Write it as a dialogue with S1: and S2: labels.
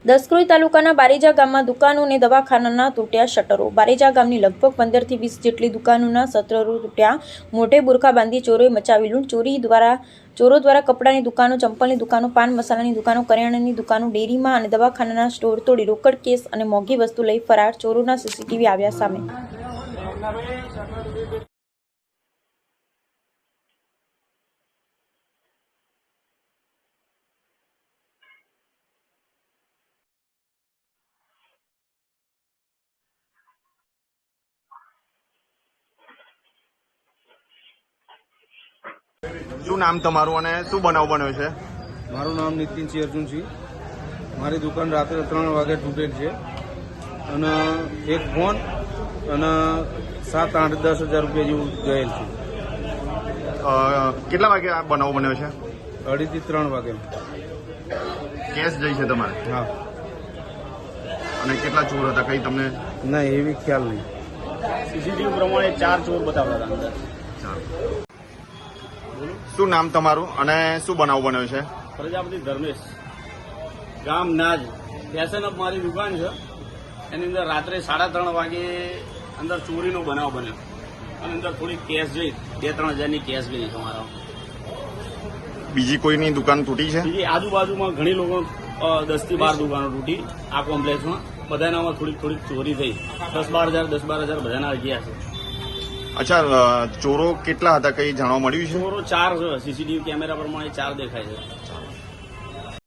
S1: દસક્રોઈ તાલુકાના બારેજા ગામમાં દુકાનો અને દવાખાનાના તૂટ્યા શટરો। બારેજા ગામની લગભગ 15 થી 20 જેટલી દુકાનોના શટરો તૂટ્યા। મોઢે બુરખા બાંધી ચોરોએ મચાવી લૂંટ। ચોરો દ્વારા કપડાની દુકાનો, ચંપલની દુકાનો, પાન મસાલાની દુકાનો, કરિયાણાની દુકાનો, ડેરીમાં અને દવાખાનાના સ્ટોર તોડી રોકડ, કેસ અને મોંઘી વસ્તુ લઈ ફરાર। ચોરોના સીસીટીવી આવ્યા સામે।
S2: શું નામ તમારું અને શું બનાવ બન્યો છે?
S3: મારું નામ નીતિનસિંહ અર્જુનસિંહ। મારી દુકાન રાત્રે 3 વાગે તૂટેલ છે અને એક ફોન અને 7, 8, 10 હજાર રૂપિયા જેવું ગયેલ છે।
S2: કેટલા વાગે આ બનાવ બન્યો છે?
S3: 2:30 થી 3 વાગે।
S2: કેસ જઈ છે તમારે?
S3: હા।
S2: અને કેટલા ચોર હતા કઈ તમને?
S3: ના, એવી ખ્યાલ નહીં।
S4: સીસીટીવી પ્રમાણે 4 ચોર બતાવતા હતા અંદર।
S2: શું નામ તમારું અને શું બનાવ બન્યો છે?
S4: પ્રજાપતિ ધર્મેશ, ગામ નાજ, ફેશન અપ મારી દુકાન છે। એની અંદર રાત્રે 3:30 વાગે અંદર ચોરીનો બનાવ બન્યો અને અંદર થોડી કેશ જઈ 2-3 હજારની કેશ ગઈ તમારા।
S2: બીજી કોઈની દુકાન તૂટી છે?
S4: બીજી આજુબાજુમાં ઘણી લોકો 10 થી 12 દુકાનો તૂટી આ કોમ્પ્લેક્સમાં। બધાનામાં થોડીક ચોરી થઈ। 10-12 હજાર બધાના ગયા છે।
S2: અચ્છા, ચોરો કેટલા હતા કઈ જાણવા મળ્યું છે?
S4: ચોરો 4 છે, સીસીટીવી કેમેરા પ્રમાણે 4 દેખાય છે।